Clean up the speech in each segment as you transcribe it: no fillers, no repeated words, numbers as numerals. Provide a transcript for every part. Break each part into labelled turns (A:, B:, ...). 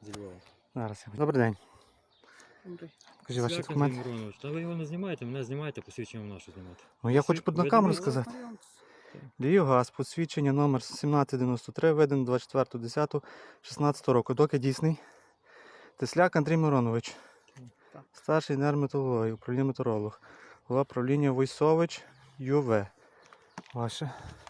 A: зі Львова.
B: Зараз. Добрий день.
C: Добрий.
B: Покажіть ваші
A: Свят
B: документи.
A: Андрій Миронович, та ви його не знімаєте, мене знімаєте, посвідчення нашу знімати.
B: Ну я хочу на камеру сказати. Львівгаз, посвідчення номер 1793, видано 24.10.16 року. Доки дійсний. Тесляк Андрій Миронович.
C: Так.
B: Старший інженер метеорології, управління метеоролог. Голова правління Войсович ЮВ. Ваше.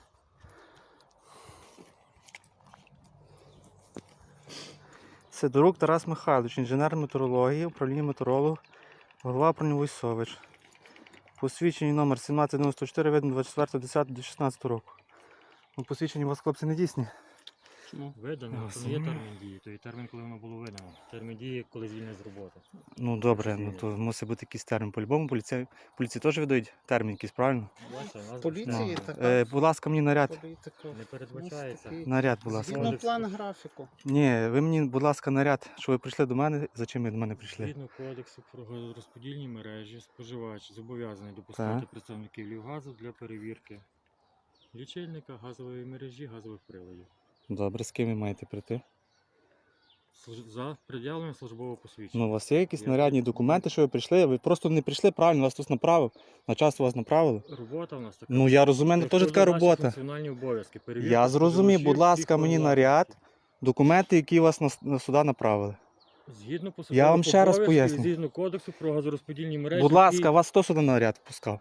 B: Сидорук Тарас Михайлович, інженер метеорології, управління метеоролог, голова правління Войсович. Посвідчення номер 1794, видно 24.10.16 року. Ну, посвідчення у вас, хлопці, не дійсні.
C: Чому?
A: Видано, то не є термін дії, то є термін, коли воно було видано. Термін дії, коли звільнений з роботи.
B: Ну добре, ну то мусить бути якийсь термін. По-любому поліції теж видають термін якийсь, правильно?
A: Бачите, у нас
C: Поліції
B: Ну,
C: така
B: будь ласка, мені наряд.
C: політика.
A: не передбачається.
B: Наряд, будь ласка.
C: Згідно план графіку.
B: Ні, ви мені, будь ласка, наряд, що ви прийшли до мене, за чим ви до мене прийшли?
A: Згідно кодексу про розподільні мережі, споживач зобов'язаний допускати
B: Так.
A: представників Львівгазу для перевірки лічильника, газової мережі, газових приладів.
B: Добре, з ким ви маєте прийти?
A: За пред'явленням службового посвідчення.
B: Ну, у вас є якісь
A: Я
B: нарядні
A: прийшов.
B: документи, що ви прийшли? Ви просто не прийшли правильно, вас хтось направив. На час вас направили.
A: Робота в нас така.
B: Ну я розумію,
A: Це
B: теж така
A: наші
B: робота.
A: функціональні обов'язки. Перевірка
B: Я зрозумів, будь
A: споживачів
B: ласка,
A: всіх
B: мені
A: власності.
B: наряд, документи, які вас на сюди направили.
A: Згідно
B: Я вам ще раз поясню.
A: Згідно кодексу про газорозподільні мережі.
B: Будь ласка, вас хто сюди наряд пускав?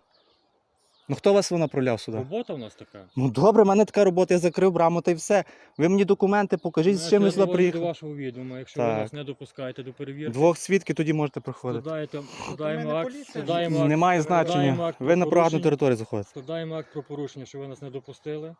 B: Ну хто вас направляв сюди?
A: Робота в нас така.
B: Ну добре, в мене така робота, я закрив браму та й все. Ви мені документи покажіть, з чим ви
A: Я
B: сюди
A: доводжу до
B: приїхали.
A: вашого відома. Якщо ви
B: Так.
A: нас не допускаєте до перевірки,
B: Двох свідків тоді можете проходити.
A: складаємо
C: не
A: акт,
C: поліція.
A: складаємо акт,
B: Немає
A: складаємо
B: значення.
A: акт
B: Ви
A: про
B: на приватну
A: порушення.
B: територію заходите.
A: Складаємо акт про порушення, що ви нас не допустили.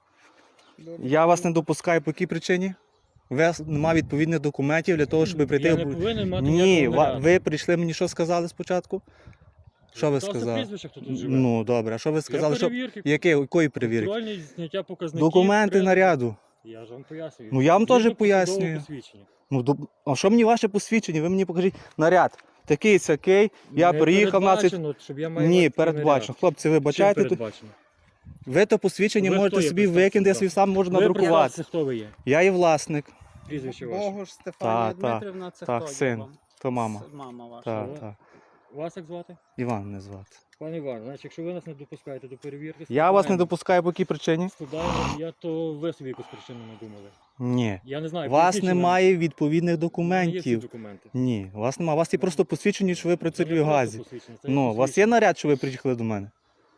B: Я вас не допускаю по якій причині? У вас немає відповідних документів для того, щоб прийти.
A: Я не повинен мати
B: Ні,
A: ніякого наряду.
B: ви прийшли мені що сказали спочатку? Що ви
A: Та це
B: сказали?
A: прізвище, хто тут живе.
B: Ну добре, а що ви сказали?
A: Для
B: Що...
A: перевірки,
B: Якої перевірки?
A: контрольні зняття показників.
B: Документи
A: при-
B: наряду.
A: Я ж вам пояснюю.
B: Ну, я вам теж
A: Згідно
B: пояснюю.
A: посадового посвідчення.
B: Ну, а що мені ваше посвідчення? Ви мені покажіть наряд. Такий сякий, я
A: Не
B: приїхав на цей...
A: передбачено, щоб я маю
B: Ні,
A: такий
B: передбачено. Хлопці, ви
A: наряд. Чим
B: бачаєте, тут...
A: передбачено?
B: ви то посвідчення
A: Ви
B: можете
A: хто є?
B: собі
A: Представте,
B: викинути, я
A: будь
B: собі
A: ласка.
B: сам можу
A: Ви
B: надрукувати.
A: представте, хто ви є?
B: Я є власник,
A: Прізвище ваше.
C: Богуш Стефанія
B: Та,
C: Дмитрівна, це
B: так,
C: хто є
B: син.
C: вам?
B: то мама.
C: Мама ваша.
B: Так,
A: Що?
B: так.
A: Вас як звати?
B: Іван не звати.
A: Пане Іван, значить, якщо ви нас не допускаєте до перевірки,
B: Я вас не
A: складаємо-
B: допускаю по якій причині?
A: складаємо, то ви собі якусь причину надумали.
B: Ні.
A: Я не знаю.
B: У вас
A: поясніть, чи
B: немає відповідних
A: Є всі
B: документів.
A: документи.
B: Ні, у вас немає. У вас є просто посвідчення, що ви працюєте в газі. Ну, у вас є наряд, що ви приїхали до мене?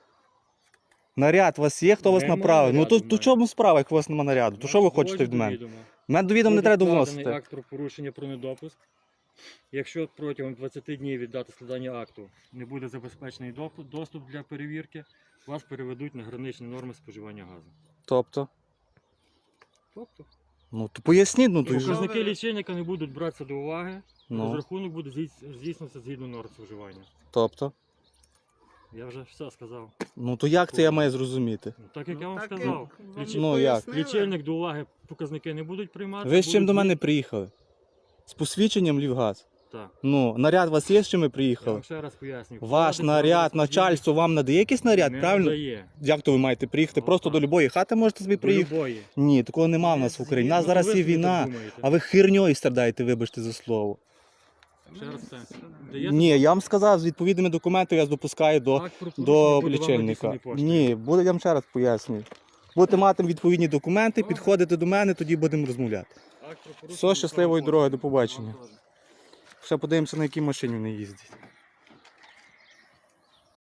B: Наряд у вас є, хто вас
A: Нема
B: направив? Ну
A: наряду в
B: то
A: мене.
B: чому справа, як у вас немає наряду? То що ви хочете від мене? Мене до відома не треба довносити.
A: Акт про порушення про недопуск. Якщо протягом 20 днів від дати складання акту не буде забезпечений доступ для перевірки, вас переведуть на граничні норми споживання газу.
B: Тобто?
A: Тобто,
B: Ну то поясніть, ну то й же.
A: показники лічильника не будуть братися до уваги,
B: Ну,
A: розрахунок буде здійснюватися згідно норм споживання.
B: тобто?
A: Я вже все сказав.
B: Ну то як це я маю зрозуміти?
A: Ну, так як я вам
C: Так,
A: сказав.
C: вам
B: Ну, як?
C: пояснили.
A: Лічильник до уваги показники не будуть приймати.
B: Ви з чим
A: будуть
B: до мене приїхали? З посвідченням Львівгаз?
A: Так.
B: Ну, наряд у вас є, з чим ви
A: Я
B: приїхали?
A: вам ще раз пояснюю.
B: Ваш
A: Вклади
B: наряд,
A: газорозподільних
B: начальство вам надає якийсь наряд,
A: не
B: правильно?
A: надає.
B: Як то ви маєте приїхати?
A: Ну,
B: Просто
A: так.
B: до любої хати можете собі
A: До
B: приїхати?
A: любої.
B: Ні, такого нема в нас в Україні. У нас
A: Ну,
B: зараз
A: ви
B: є
A: собі так
B: війна,
A: думаєте.
B: а ви херньою страдаєте, вибачте за слово.
A: Ще раз це. Даєте
B: Ні, я вам сказав, з відповідними документами я допускаю до
A: акт про порушення,
B: до
A: буде вам
B: лічильника.
A: надісланий поштою.
B: Ні, буде, я вам ще раз пояснюю. Будете мати відповідні документи, підходите до мене, тоді будемо розмовляти.
A: Акт про порушення
B: Все, щасливої
A: буде
B: дороги,
A: вам
B: до побачення.
A: поштою.
B: Ще подивимося, на якій машині вони їздять.